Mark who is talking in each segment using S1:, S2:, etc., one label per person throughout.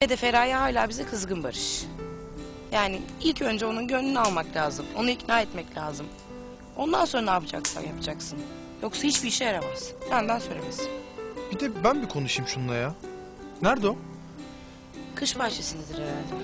S1: Ve de Feraye hala bize kızgın Barış. Yani ilk önce onun gönlünü almak lazım. Onu ikna etmek lazım. Ondan sonra ne yapacaksan yapacaksın. Yoksa hiçbir işe yaramaz. Benden söylemesi.
S2: Bir de ben bir konuşayım şununla ya. Nerede o?
S1: Kış bahçesindedir herhalde.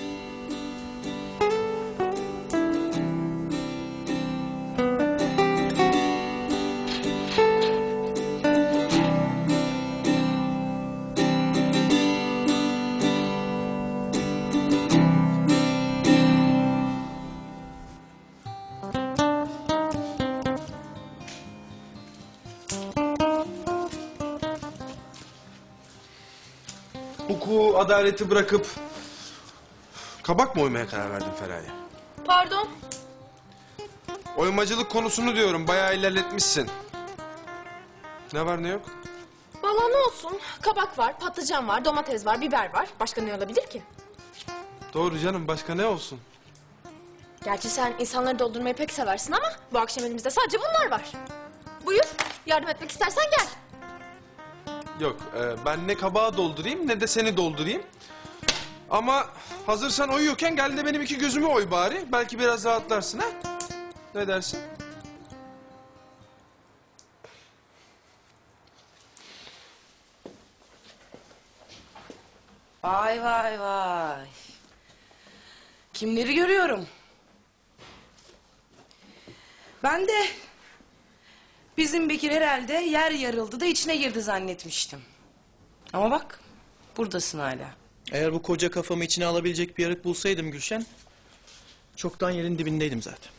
S3: Hukuku, adaleti bırakıp kabak mı oymaya karar verdin Feraye?
S4: Pardon.
S3: Oymacılık konusunu diyorum, bayağı ilerletmişsin. Ne var ne yok?
S4: Vallahi ne olsun? Kabak var, patlıcan var, domates var, biber var. Başka ne olabilir ki?
S3: Doğru canım, başka ne olsun?
S4: Gerçi sen insanları doldurmayı pek seversin ama bu akşam elimizde sadece bunlar var. Buyur, yardım etmek istersen gel.
S3: Yok, ben ne kabağı doldurayım ne de seni doldurayım. Ama hazır sen oyuyorken gel de benim iki gözümü oy bari. Belki biraz rahatlarsın ha? Ne dersin?
S1: Vay vay vay. Kimleri görüyorum? Ben de bizim Bekir herhalde yer yarıldı da içine girdi zannetmiştim. Ama bak buradasın hala.
S5: Eğer bu koca kafamı içine alabilecek bir yarık bulsaydım Gülşen, çoktan yerin dibindeydim zaten.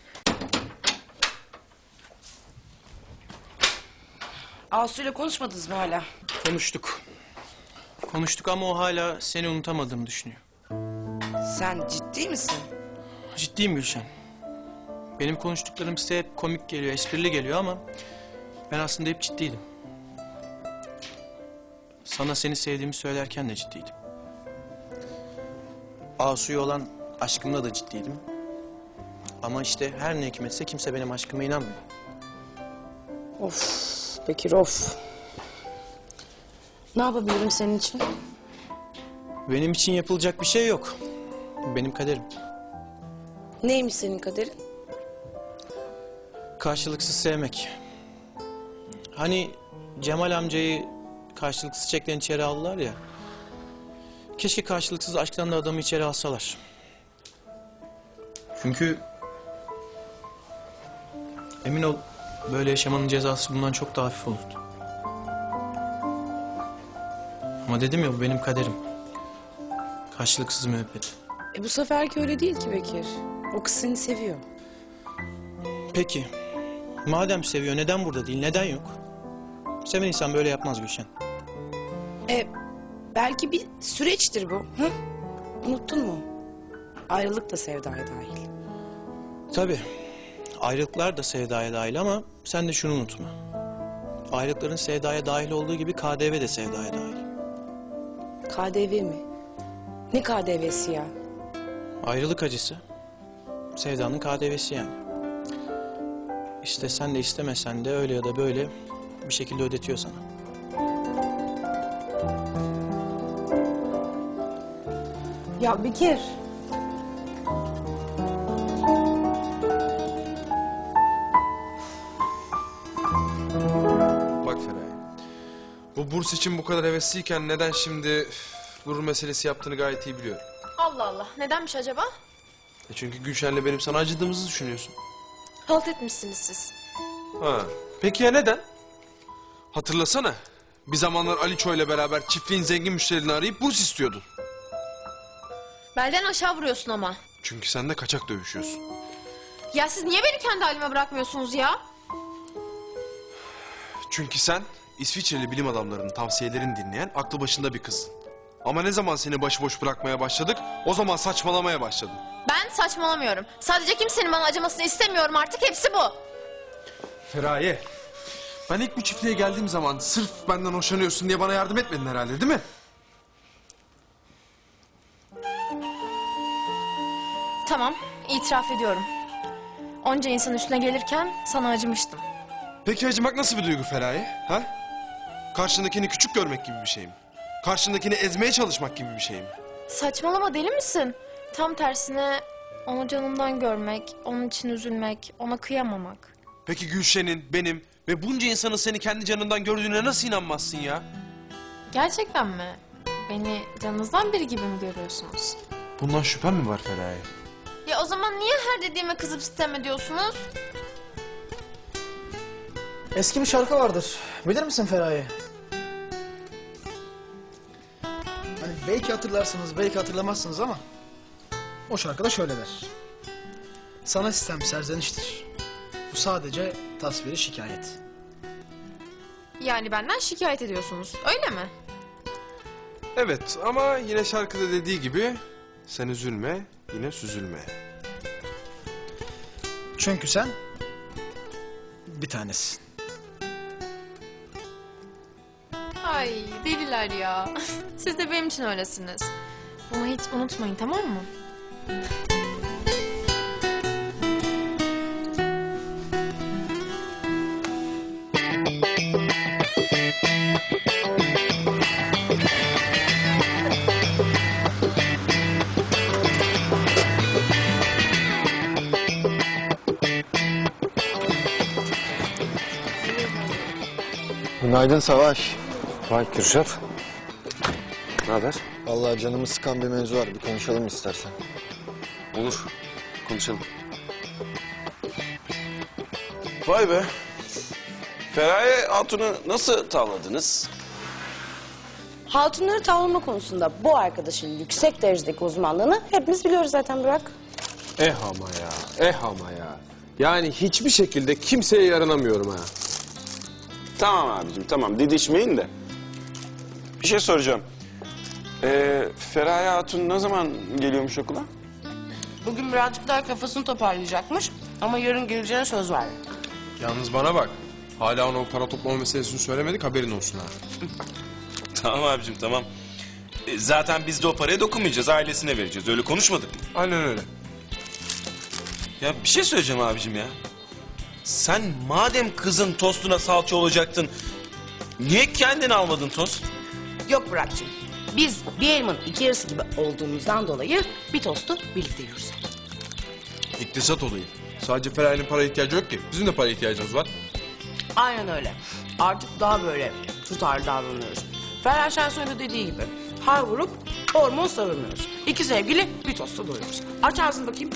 S1: Asu'yla konuşmadınız mı hala?
S5: Konuştuk. Konuştuk ama o hala seni unutamadığımı düşünüyor.
S1: Sen ciddi misin?
S5: Ciddiyim Gülşen. Benim konuştuklarım size hep komik geliyor, esprili geliyor ama ben aslında hep ciddiydim. Sana seni sevdiğimi söylerken de ciddiydim. Asu'ya olan aşkımla da ciddiydim. Ama işte her ne hikmetse kimse benim aşkıma inanmıyor.
S1: Of Bekir of. Ne yapabilirim senin için?
S5: Benim için yapılacak bir şey yok. Bu benim kaderim.
S1: Neymiş senin kaderin?
S5: Karşılıksız sevmek. Hani Cemal amcayı karşılıksız çiçeklerin içeri aldılar ya. Keşke karşılıksız aşktan da adamı içeri alsalar. Çünkü emin ol böyle yaşamanın cezası bundan çok daha hafif olurdu. Ama dedim ya bu benim kaderim. Karşılıksız müebbet.
S1: Bu seferki öyle değil ki Bekir. O kız seni seviyor.
S5: Peki madem seviyor neden burada değil, neden yok? Seven insan böyle yapmaz Gülşen.
S1: Belki bir süreçtir bu. Hı? Unuttun mu? Ayrılık da sevdaya dahil.
S5: Tabii. Ayrılıklar da sevdaya dahil ama sen de şunu unutma. Ayrılıkların sevdaya dahil olduğu gibi KDV de sevdaya dahil.
S1: KDV mi? Ne KDV'si ya?
S5: Ayrılık acısı. Sevdanın KDV'si yani. İstesen de istemesen de öyle ya da böyle bir şekilde ödetiyor sana.
S1: Ya Bekir.
S3: Bak Feraye, bu burs için bu kadar hevesliyken neden şimdi gurur meselesi yaptığını gayet iyi biliyorum.
S4: Allah Allah, nedenmiş acaba?
S3: Çünkü Gülşen'le benim sana acıdığımızı düşünüyorsun.
S4: Halt etmişsiniz siz.
S3: Ha. Peki ya neden? Hatırlasana. Bir zamanlar Aliço ile beraber çiftliğin zengin müşterilerini arayıp burs istiyordun.
S4: Belden aşağı vuruyorsun ama.
S3: Çünkü sen de kaçak dövüşüyorsun.
S4: Ya siz niye beni kendi halime bırakmıyorsunuz ya?
S3: Çünkü sen İsviçreli bilim adamlarının tavsiyelerini dinleyen aklı başında bir kızsın. Ama ne zaman seni başıboş bırakmaya başladık, o zaman saçmalamaya başladın.
S4: Ben saçmalamıyorum. Sadece kimsenin bana acımasını istemiyorum artık, hepsi bu.
S3: Feraye, ben ilk bu çiftliğe geldiğim zaman sırf benden hoşlanıyorsun diye bana yardım etmedin herhalde, değil mi?
S4: Tamam, itiraf ediyorum. Onca insan üstüne gelirken sana acımıştım.
S3: Peki acımak nasıl bir duygu Feraye? Ha? Karşındakini küçük görmek gibi bir şey mi? Karşındakini ezmeye çalışmak gibi bir şey mi?
S4: Saçmalama, deli misin? Tam tersine onu canından görmek, onun için üzülmek, ona kıyamamak.
S3: Peki Gülşen'in, benim ve bunca insanın seni kendi canından gördüğüne nasıl inanmazsın ya?
S4: Gerçekten mi? Beni canınızdan biri gibi mi görüyorsunuz?
S3: Bundan şüphen mi var Feraye?
S4: Ya o zaman niye her dediğime kızıp sitem ediyorsunuz?
S6: Eski bir şarkı vardır. Bilir misin Feraye? Hani belki hatırlarsınız, belki hatırlamazsınız ama o şarkıda şöyle der. Sana sistem serzeniştir. Bu sadece tasviri şikayet.
S4: Yani benden şikayet ediyorsunuz, öyle mi?
S3: Evet ama yine şarkıda dediği gibi sen üzülme, yine süzülme.
S6: Çünkü sen bir tanesin.
S4: Ay deliler ya. Siz de benim için öylesiniz. Bunu hiç unutmayın, tamam mı?
S7: Günaydın Savaş.
S8: Vay Kürşat. Ne haber?
S7: Vallahi canımı sıkan bir mevzu var. Bir konuşalım istersen.
S8: Olur. Konuşalım. Vay be. Feraye Hatun'u nasıl tavladınız?
S1: Hatunları tavlama konusunda bu arkadaşın yüksek derecedeki uzmanlığını hepimiz biliyoruz zaten Burak.
S9: Ama ya, ama ya. Yani hiçbir şekilde kimseye yaranamıyorum ha.
S8: Tamam abicim tamam didişmeyin de. Bir şey soracağım. Feraye Hatun ne zaman geliyormuş okula?
S1: Bugün birazcık daha kafasını toparlayacakmış ama yarın geleceğine söz verdi.
S3: Yalnız bana bak. Hala ona o para toplama meselesini söylemedik, haberin olsun ha.
S8: Tamam abicim tamam. Zaten biz de o paraya dokunmayacağız, ailesine vereceğiz. Öyle konuşmadık mı?
S3: Aynen öyle.
S8: Ya bir şey söyleyeceğim abicim ya. Sen madem kızın tostuna salça olacaktın... ...niye kendini almadın tost?
S1: Yok Burak'cığım. Biz bir elmanın iki yarısı gibi olduğumuzdan dolayı bir tostu birlikte yiyoruz.
S3: İktisat olayı. Sadece Feraye'nin para ihtiyacı yok ki. Bizim de para ihtiyacımız var.
S1: Aynen öyle. Artık daha böyle tutarlı davranıyoruz. Ferhan Şensoy'un dediği gibi har vurup hormon savurmuyoruz. İki sevgili bir tosta doyuyoruz. Aç ağzını bakayım.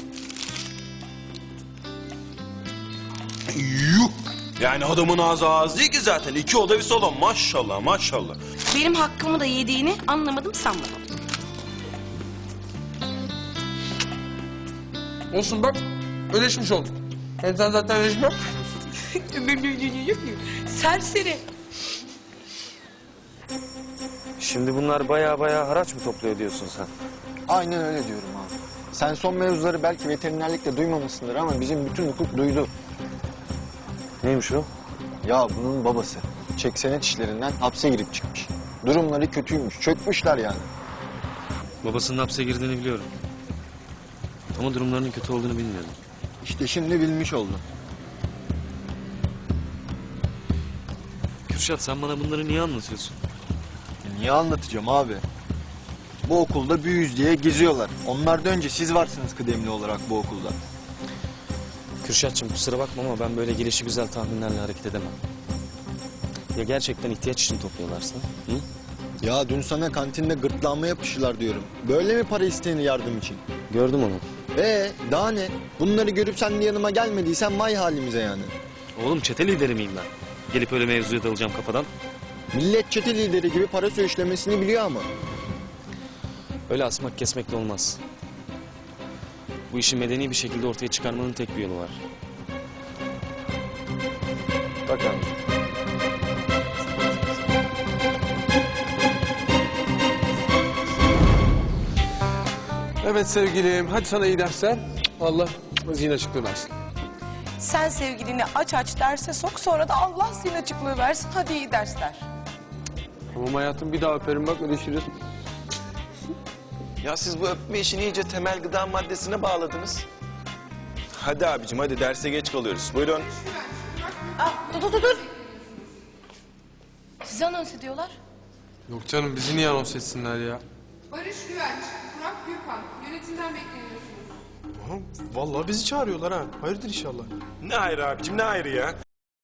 S8: Yuh! Yani adamın ağzı ağız değil ki zaten. 2 oda bir salon maşallah maşallah.
S1: Benim hakkımı da yediğini anlamadım sanmadım.
S3: Olsun bak, ödeşmiş olduk. Hem sen zaten ödeşme.
S1: Serseri.
S9: Şimdi bunlar baya haraç mı topluyor diyorsun sen?
S7: Aynen öyle diyorum abi. Sen son mevzuları belki veterinerlikte duymamışsındır ama bizim bütün hukuk duydu.
S9: Neymiş o?
S7: Ya bunun babası çeksenet işlerinden hapse girip çıkmış. Durumları kötüymüş, çökmüşler yani.
S9: Babasının hapse girdiğini biliyorum. Ama durumlarının kötü olduğunu bilmiyordum.
S7: İşte şimdi bilmiş oldum.
S9: Kürşat sen bana bunları niye anlatıyorsun?
S7: Niye anlatacağım abi? Bu okulda büyüyüz diye geziyorlar. Onlardan önce siz varsınız kıdemli olarak bu okulda.
S9: Kürşatçığım kusura bakma ama ben böyle gelişigüzel tahminlerle hareket edemem. Ya gerçekten ihtiyaç için topluyorlarsa? Hı?
S7: Ya dün sana kantinde gırtlağıma yapıştılar diyorum. Böyle mi para isteyeni yardım için?
S9: Gördüm onu.
S7: Daha ne? Bunları görüp sen de yanıma gelmediysen vay halimize yani.
S9: Oğlum çete lideri miyim ben? Gelip öyle mevzuya dalacağım kafadan.
S7: Millet çete lideri gibi para söğüşlemesini biliyor ama.
S9: Öyle asmak kesmekle olmaz. Bu işi medeni bir şekilde ortaya çıkarmanın tek bir yolu var. Bak abi.
S3: Evet sevgilim, hadi sana iyi dersler. Allah zihin açıklığı versin.
S1: Sen sevgilini aç derse sok, sonra da Allah senin açıklığı versin. Hadi iyi dersler.
S3: Tamam hayatım, bir daha öperim bak, ödeşiriz.
S8: Ya siz bu öpme işini iyice temel gıda maddesine bağladınız. Hadi abicim hadi derse geç kalıyoruz. Buyurun.
S1: Dur. Sizi anons ediyorlar.
S3: Yok canım, bizi niye anons etsinler ya?
S10: Barış Güvenç, Burak Gürkan, yönetimden bekleniyorsunuz.
S3: Aha, vallahi bizi çağırıyorlar ha. Hayırdır inşallah.
S8: Ne ayrı abicim ne ayrı ya?